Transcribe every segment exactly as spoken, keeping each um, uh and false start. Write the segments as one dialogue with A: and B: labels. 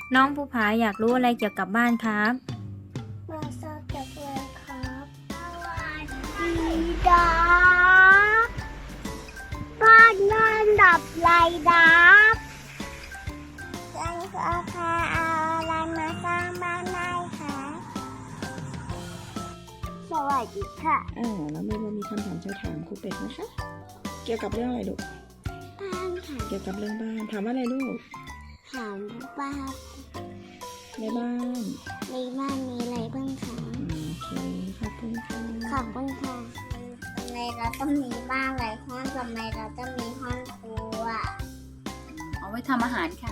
A: น้องภูผาอยากรู้อะไรเกี่ยวกับบ้านครับ
B: มาทราบจากเลยครับสวัสดีดาบ้านนอนดับไรดับฉันก็แค่เอาอะไรมาสร้างบ้านได้ค่ะสวัสดีค่ะ
C: อ่าแล้วเมย์เรามีคำถามจะถามครูเป็ดนะคะ เกี่ยวกับเรื่องอะไรลูก
B: บ้านค่ะ
C: เกี่ยวกับเรื่องบ้าน ถามว่าอะไรลูก
B: ถามว่า
C: ในบ้าน
B: ในบ้านมีอะไรบ้างคะ
C: อืมโอเคขอบคุณค่ะ
B: ขอบคุณค่ะทำไมเราต้องมีบ้านหลายห้องทำไมเราต้องมีห้องครัว
D: เอาไว้ทำอาหารค่ะ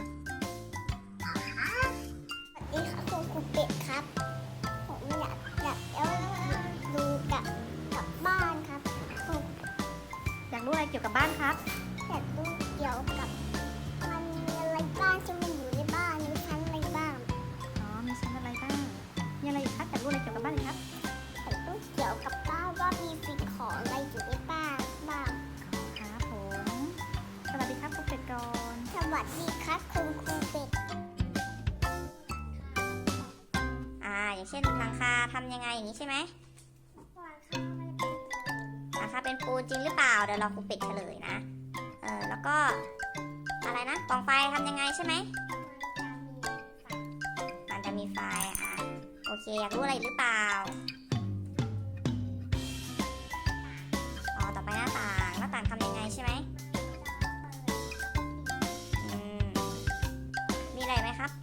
B: สวัสดีค่ะคุณครูเป็ดครับ ผมอยากอยากจะดูกับกับบ้านครับผม
A: อยากรู้อะไรเกี่ยวกับบ้านครับ
B: อยากดูเกี่ยวกับมันมีอะไรบ้างที่มันอยู่ในบ้านมีชั้นอะไรบ้าง
A: อ๋อ มีชั้นอะไรบ้าง มีอะไรอีกครับอยากรู้อะไรเกี่ยวกับบ้านเลยครับ
B: อยากดูเกี่ยวกับบ้านว่ามีสิ่งของอะไรอยู่ในบ้านบ้าง
A: ครับผม สวัสดีครับครูเป็ดก่อน
B: สวัสดีครับคุณครูเป็ด
E: อ่าอย่างเช่นหลังคาทำยังไงอย่างนี้ใช่ไหมหลังคาเป็นปูนจริงหรือเปล่าเดี๋ยวเราครูเป็ดเฉลยนะเออแล้วก็อะไรนะกองไฟทำยังไงใช่ไหมมันจะมีไฟอ่ะโอเคอยากรู้อะไรอีกหรือเปล่าอ๋อต่อไปหน้าต่างหน้าต่างทำยังไงใช่ไหมอืมมีอะไรไหมครับ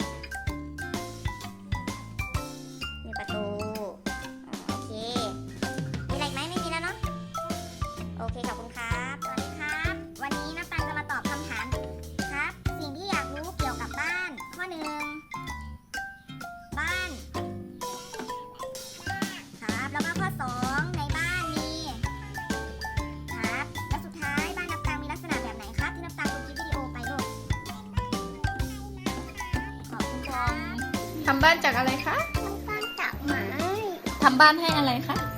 E: มีประตูอ๋อโอเค มีอะไรอีกไหมไม่มีแล้วเนาะ โอเคขอบคุณครับ สวัสดีครับ วันนี้น้ำตาลจะมาตอบคำถามครับ สิ่งที่อยากรู้เกี่ยวกับบ้าน ข้อหนึ่งบ้าน ครับ แล้วก็ข้อสองในบ้านมี ครับ และสุดท้ายบ้านน้ำตาลมีลักษณะแบบไหนครับ ที่น้ำตาลดูคลิปวิดีโอไปลูกขอบคุณครับ
D: ทำบ้านจากอะไรคะ
B: มันตั้งจากไม้
D: ทำบ้านให้อะไรคะ
B: ใ